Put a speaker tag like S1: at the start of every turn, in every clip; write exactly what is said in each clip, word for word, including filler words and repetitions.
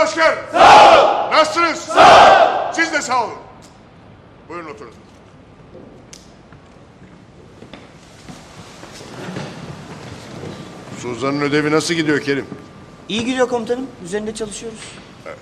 S1: asker. Sağ ol. Nasılsınız? Sağ ol. Siz de sağ olun. Buyurun oturun. Suzan'ın ödevi nasıl gidiyor Kerim?
S2: İyi gidiyor komutanım. Üzerinde çalışıyoruz.
S1: Evet.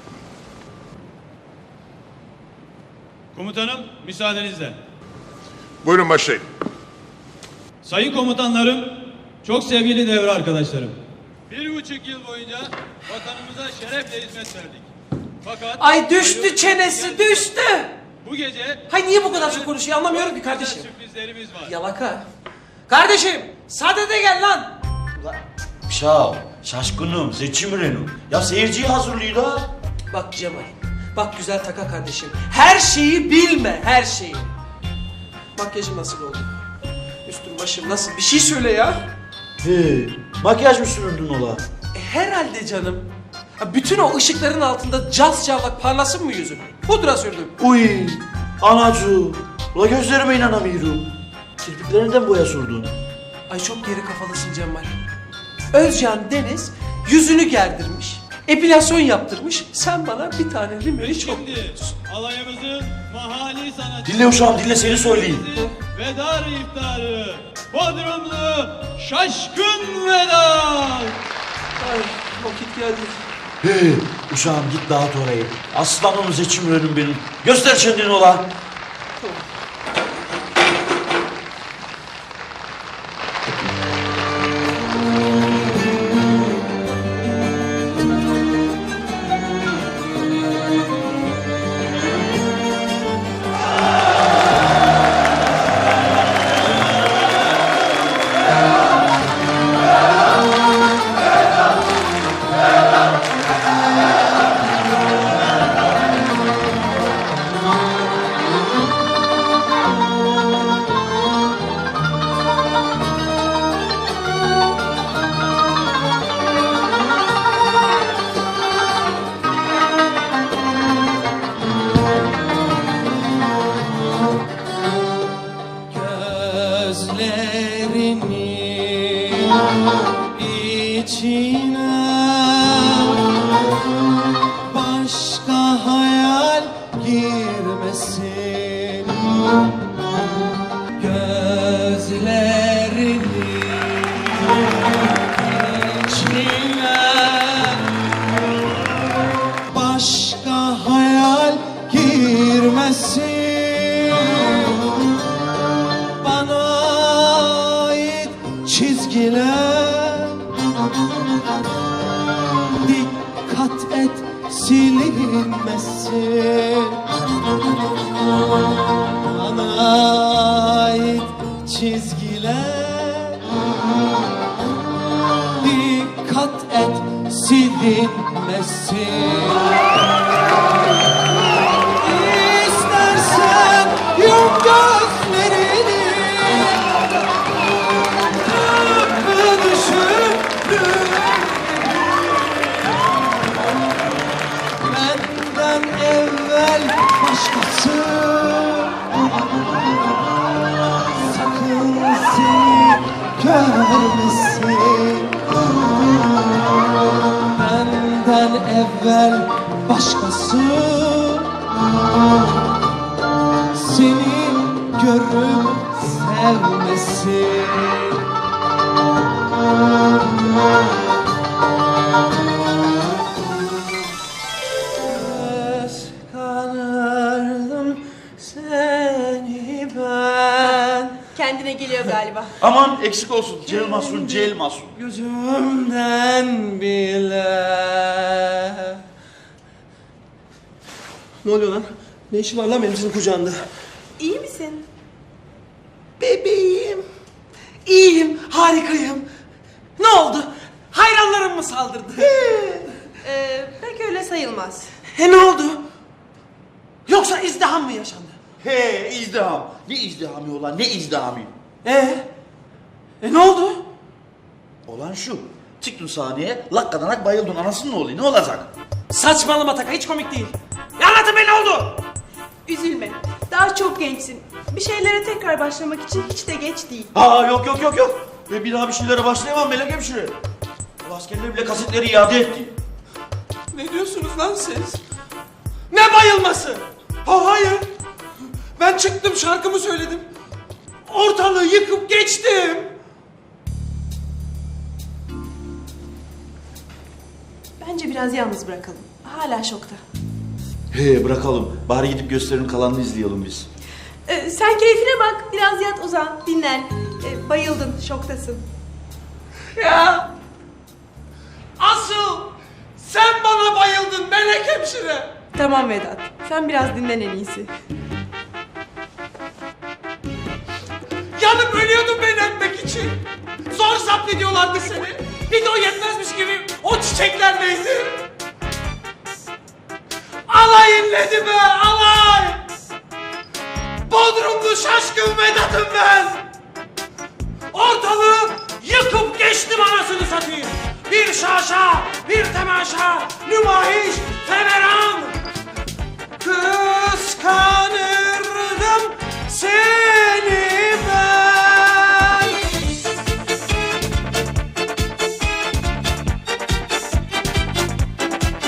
S3: Komutanım, müsaadenizle.
S1: Buyurun başlayın.
S3: Sayın komutanlarım, çok sevgili devre arkadaşlarım. Bir buçuk yıl boyunca vatanımıza şerefle hizmet verdik. Fakat...
S4: Ay düştü çenesi, düştü.
S3: Bu gece...
S4: Hay niye bu kadar çok konuşuyor anlamıyorum ki kardeşim.
S3: Sürprizlerimiz var.
S4: Yalaka. Kardeşim, sadede gel lan.
S5: Şav, şaşkınım, seçim Renault. Ya seyirciyi hazırlıyor da.
S4: Bak Cemal, bak güzel taka kardeşim. Her şeyi bilme, her şeyi. Makyajım nasıl oldu? Üstüm başım nasıl? Bir şey söyle ya.
S5: He, makyaj mı süründün ola?
S4: E, herhalde canım. Ha, bütün o ışıkların altında caz çavlak parlasın mı yüzüm? Pudra sürdüm.
S5: Uy, anacı. Ula gözlerime inanamıyorum. Kirpiklerinden boya sürdün.
S4: Ay çok geri kafalısın Cemal. Özcan Deniz yüzünü gerdirmiş. Epilasyon yaptırmış. Sen bana bir tane limeli çok
S3: Şimdi alayımızın mahalli sanatçısı...
S5: Dinle uşağım, dinle, seni söyleyeyim.
S3: Vedar iftarı, Bodrumlu Şaşkın Vedar.
S4: Ay vakit geldi.
S5: He, uşağım git dağıt orayı. Aslanım seçim Renault benim. Göster kendini ola.
S6: Başka hayal girmesin gözlerini içine, başka hayal girmesin bana ait çizgiler. Dikkat et silinmesin bana ait çizgiler. Dikkat et silinmesin. İstersen yum gözlerini, tıpkı düşündüğün benden evvel başkası sakın seni görmesin. Benden evvel başkası seni görüp sevmesin. Kıskanırdım seni ben.
S7: Kendine geliyor galiba.
S5: Aman eksik olsun. Cel Masun, Cel Masun.
S6: Gözümden bile.
S4: Ne oluyor lan? Ne işin var lan benim senin kucağında?
S7: İyi misin?
S4: Bebeğim. İyiyim, harikayım. Ne oldu? Hayranlarım mı saldırdı?
S7: Ee, pek öyle sayılmaz.
S4: He ne oldu? Yoksa izdiham mı yaşandı?
S5: He, izdiham. Ne izdihamı olan, ne izdihami?
S4: Ee? E ne oldu?
S5: Olan şu. Çıktın sahneye, lakkadanak bayıldın. Anasının ne oluyor, ne olacak?
S4: Saçmalama Taka, hiç komik değil. Ya anlatın be, ne oldu?
S7: Üzülme. Daha çok gençsin. Bir şeylere tekrar başlamak için hiç de geç değil.
S5: Aa yok yok yok yok. Ben bir daha bir şeylere başlayamam Melek Hemşire. O askerler bile kasetleri iade etti.
S6: Ne diyorsunuz lan siz? Ne bayılması? Ha hayır. Ben çıktım şarkımı söyledim. Ortalığı yıkıp geçtim.
S7: Bence biraz yalnız bırakalım. Hala şokta.
S5: He bırakalım. Bari gidip gösterinin kalanını izleyelim biz.
S7: Ee, sen keyfine bak. Biraz yat uzan. Dinlen. Ee, bayıldın. Şoktasın.
S6: Ya. Asıl sen bana bayıldın melek hemşire.
S7: Tamam Vedat. Sen biraz dinlen en iyisi.
S6: Yanıp ölüyordun beni öpmek için. Zor zapt ediyorlardı seni. Bir de o yetmezmiş gibi o çiçekler neydi? Alay inledi be alay. Bodrumlu şaşkın Vedat'ım ben. Ortalığı yıkıp geçtim anasını satayım. Bir şaşa, bir temaşa, nümayiş, feveran. Kız